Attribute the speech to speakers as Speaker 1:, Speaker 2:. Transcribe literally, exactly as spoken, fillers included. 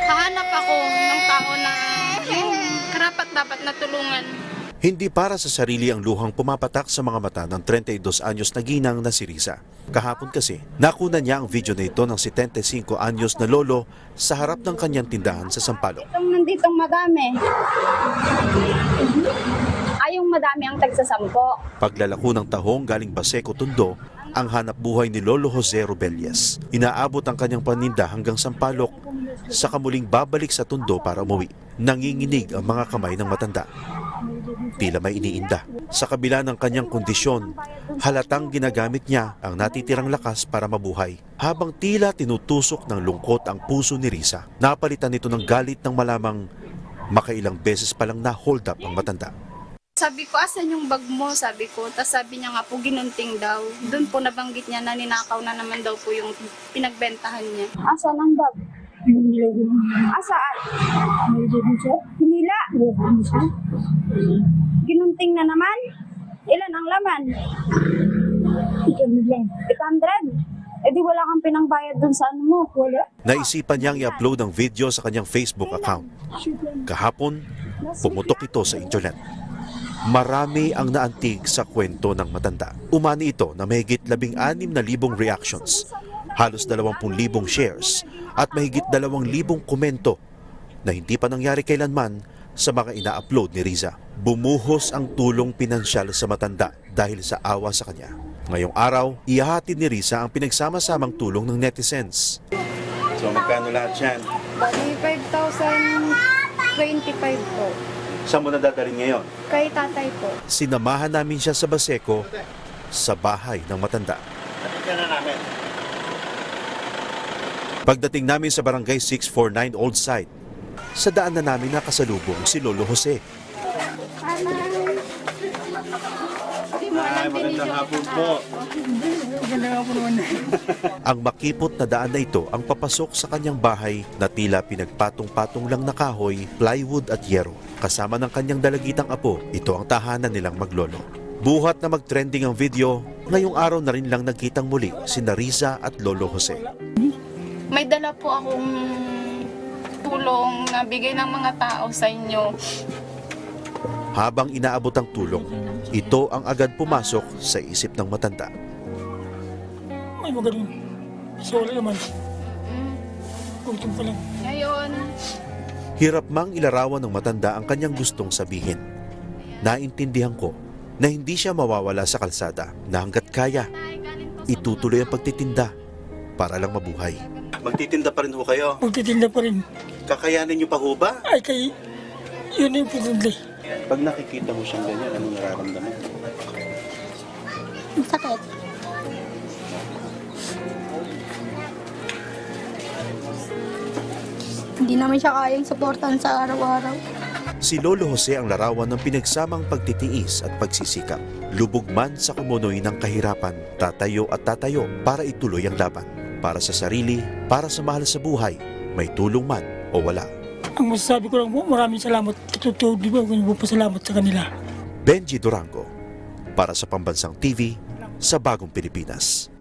Speaker 1: Hahanap ako ng tao na yung karapat-dapat na tulungan.
Speaker 2: Hindi para sa sarili ang luhang pumapatak sa mga mata ng thirty-two anyos na ginang na si Riza. Kahapon kasi, nakuna niya ang video na ito ng seventy-five anyos na lolo sa harap ng kanyang tindahan sa Sampaloc.
Speaker 3: Itong nanditong madami. Ay, yung madami ang tagsasampo.
Speaker 2: Paglalako ng tahong galing Baseco, Tondo, ang hanap buhay ni Lolo Jose Robelias. Inaabot ang kanyang paninda hanggang Sampaloc, saka muling babalik sa Tondo para umuwi. Nanginginig ang mga kamay ng matanda. Tila may iniinda. Sa kabila ng kanyang kondisyon, halatang ginagamit niya ang natitirang lakas para mabuhay. Habang tila tinutusok ng lungkot ang puso ni Riza, napalitan nito ng galit ng malamang makailang beses palang na-hold up ang matanda.
Speaker 1: Sabi ko, asan yung bag mo? Sabi ko. Tapos sabi niya nga po, ginunting daw. Doon po nabanggit niya na ninakaw na naman daw po yung pinagbentahan niya.
Speaker 3: Asan ang bag? Asaan? Hinila. Ginunting na naman. Ilan ang laman? eight hundred. Eh di wala kang pinangbayad dun sa ano mo. Wala.
Speaker 2: Naisipan niyang i-upload ang video sa kanyang Facebook account. Kahapon, pumutok ito sa internet. Marami ang naantig sa kwento ng matanda. Umani ito na mahigit labing anim na libong reactions, halos dalawampung libong shares at mahigit dalawang libong komento na hindi pa nangyari kailanman sa mga ina-upload ni Riza. Bumuhos ang tulong pinansyal sa matanda dahil sa awa sa kanya. Ngayong araw, ihahatid ni Riza ang pinagsama-samang tulong ng netizens. So magkano lahat yan?
Speaker 1: Bali, five thousand twenty-five po.
Speaker 2: Saan mo nadadalhin ngayon?
Speaker 1: Kay tatay po.
Speaker 2: Sinamahan namin siya sa Baseco sa bahay ng matanda. Pagdating namin sa barangay six forty-nine Old Site, sa daan na namin nakasalubong si Lolo Jose.
Speaker 1: Ay, magandang hapon po.
Speaker 2: Ang makipot na daan na ito ang papasok sa kanyang bahay na tila pinagpatong-patong lang na kahoy, plywood at yero. Kasama ng kanyang dalagitang apo, ito ang tahanan nilang maglolo. Buhat na mag-trending ang video, ngayong araw na rin lang nagkitang muli si Riza at Lolo Jose.
Speaker 1: May dala po akong tulong na bigay ng mga tao sa inyo.
Speaker 2: Habang inaabot ang tulong, ito ang agad pumasok sa isip ng matanda.
Speaker 4: Ay, magaling. So, wala naman.
Speaker 1: Mm.
Speaker 4: Gutom pa lang.
Speaker 1: Ngayon,
Speaker 2: Hirap mang ilarawan ng matanda ang kanyang gustong sabihin. Naintindihan ko na hindi siya mawawala sa kalsada na hanggat kaya, itutuloy ang pagtitinda para lang mabuhay. Magtitinda pa rin ho kayo?
Speaker 4: Magtitinda pa rin.
Speaker 2: Kakayanin niyo pa ho ba?
Speaker 4: Ay, kay... Yun yung pagkakli.
Speaker 2: Pag nakikita mo siyang ganyan, anong nararamdaman?
Speaker 5: Sakit. Hindi naman siya kayang suportahan sa araw-araw.
Speaker 2: Si Lolo Jose ang larawan ng pinagsamang pagtitiis at pagsisikap. Lubog man sa kumunoy ng kahirapan, tatayo at tatayo para ituloy ang laban. Para sa sarili, para sa mahal sa buhay, may tulong man o wala.
Speaker 4: Ang masasabi ko lang po, maraming salamat. Totoo, di ba? Kung pasalamat sa kanila.
Speaker 2: Benji Durango, para sa Pambansang T V, sa Bagong Pilipinas.